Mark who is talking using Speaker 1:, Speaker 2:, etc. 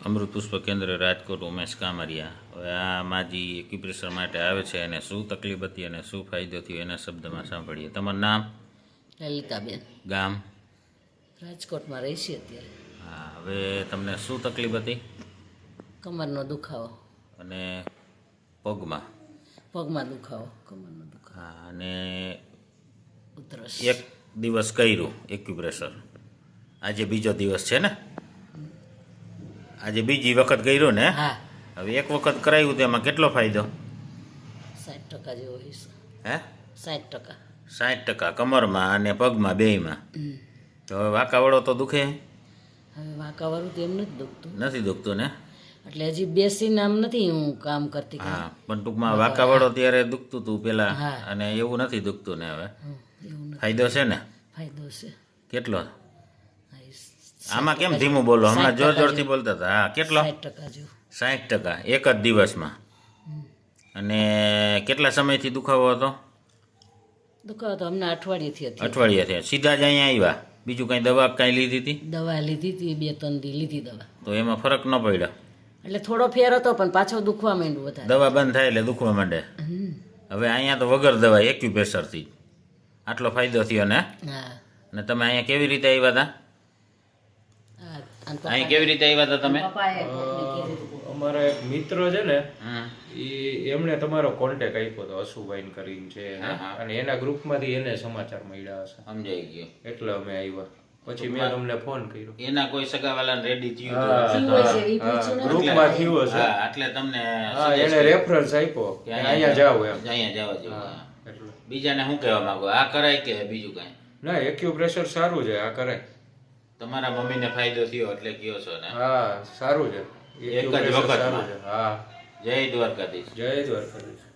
Speaker 1: અમૃત પુષ્પ કેન્દ્ર રાજકોટ ઉમેશ કામરિયા. હવે આ માજી એક્યુપ્રેશર માટે આવે છે એને શું તકલીફ હતી અને શું ફાયદો થયો એના શબ્દમાં સાંભળીએ. તમારું નામ?
Speaker 2: લલિતાબેન,
Speaker 1: ગામ?
Speaker 2: રાજકોટમાં રહી છે અત્યારે.
Speaker 1: હા, હવે તમને શું તકલીફ હતી?
Speaker 2: કમરનો દુખાવો
Speaker 1: અને પગમાં?
Speaker 2: પગમાં દુખાવો, કમરનો દુખાવો.
Speaker 1: હા, અને
Speaker 2: ઉધરસ.
Speaker 1: એક દિવસ કર્યું એક્યુપ્રેશર, આજે બીજો દિવસ છે ને? આજે બીજી વખત કર્યું ને?
Speaker 2: હા,
Speaker 1: હવે એક વખત કરાવ્યું તો એમાં કેટલો ફાયદો?
Speaker 2: 60% જેવો હશે.
Speaker 1: હે?
Speaker 2: 60%.
Speaker 1: 60% કમરમાં અને પગમાં બેયમાં. તો હવે વાંકાવળો તો દુખે?
Speaker 2: હવે વાંકાવાળું તો એમ નથી દુખતું.
Speaker 1: નથી દુખતું ને?
Speaker 2: એટલે હજી બેસીને આમ નથી હું કામ કરતી.
Speaker 1: હા, પણ ટૂંકમાં વાંકાવળો ત્યારે દુખતું હતું પેલા,
Speaker 2: હા.
Speaker 1: અને એવું નથી દુખતું ને હવે?
Speaker 2: એવું નથી.
Speaker 1: ફાયદો છે ને?
Speaker 2: ફાયદો છે.
Speaker 1: કેટલો?
Speaker 2: હા, એ
Speaker 1: આમાં કેમ ધીમું બોલો? હમણાં
Speaker 2: 60%
Speaker 1: જોર જોરથી બોલતા હતા. હા, કેટલો?
Speaker 2: 60% જેવું.
Speaker 1: 60% એક જ દિવસમાં. અને કેટલા સમયથી દુખાવો હતો?
Speaker 2: દુખાવો તો હમણાં અઠવાડિયેથી હતી.
Speaker 1: અઠવાડિયાથી. સીધા જ અહીંયા આવ્યા? બીજું કાંઈ દવા કાંઈ લીધી હતી?
Speaker 2: દવા લીધી હતી, 2-3 દી લીધી દવા.
Speaker 1: તો એમાં ફરક ન પડ્યો?
Speaker 2: એટલે થોડો ફેર હતો પણ પાછો દુખવા માંડ્યું વધારે.
Speaker 1: દવા બંધ થાય એટલે દુખવા માંડે. હવે અહીંયા તો વગર દવા એક્યુપ્રેશરથી આટલો ફાયદો થયો ને?
Speaker 2: હા.
Speaker 1: અને તમે અહીંયા કેવી રીતે આવ્યા હતા?
Speaker 2: હા, અને
Speaker 1: અહીં કેવી રીતે આવ્યા હતા તમે?
Speaker 2: પપ્પાએ કોકને કીધું હતું.
Speaker 3: અમારા એક મિત્ર છે ને,
Speaker 1: હમ.
Speaker 3: એમણે તમારો કોન્ટેક આપ્યો હતો, અશુભાઈ કરીને છે એને.
Speaker 1: હા, હા.
Speaker 3: અને એના ગ્રુપમાંથી એને સમાચાર મળ્યા હશે,
Speaker 1: સમજાઈ ગયું.
Speaker 3: એટલે અમે આવ્યા. પછી મેં તમને ફોન કર્યો.
Speaker 1: એના કોઈ સગાવાલાને રેડી થયું
Speaker 3: હા,
Speaker 2: થયું
Speaker 1: હતું?
Speaker 2: હશે, ઈ પૂછ્યું નથી.
Speaker 3: ગ્રુપમાં થયું હશે.
Speaker 1: હા, એટલે તમને
Speaker 3: હા,
Speaker 1: suggest
Speaker 3: એને
Speaker 1: કર્યું
Speaker 3: રેફરન્સ આપ્યો
Speaker 1: કે
Speaker 3: કે અહીંયા જાવ એમ.
Speaker 1: અહીંયા જવા જેવું.
Speaker 3: હા,
Speaker 1: હા.
Speaker 3: એટલે
Speaker 1: બીજાને શું કહેવા માંગો? આ કરાય કે બીજું કાંઈ?
Speaker 3: ના, એક્યુપ્રેશર સારું છે, આ કરાય.
Speaker 1: તમારા મમ્મીને ફાયદો થયો એટલે કયો છો ને?
Speaker 3: હા, સારું છે.
Speaker 1: એક જ
Speaker 3: એક્યુપ્રેશર
Speaker 1: વખતમાં.
Speaker 3: સારું છે. હા,
Speaker 1: જય દ્વારકાધીશ.
Speaker 3: જય દ્વારકાધીશ.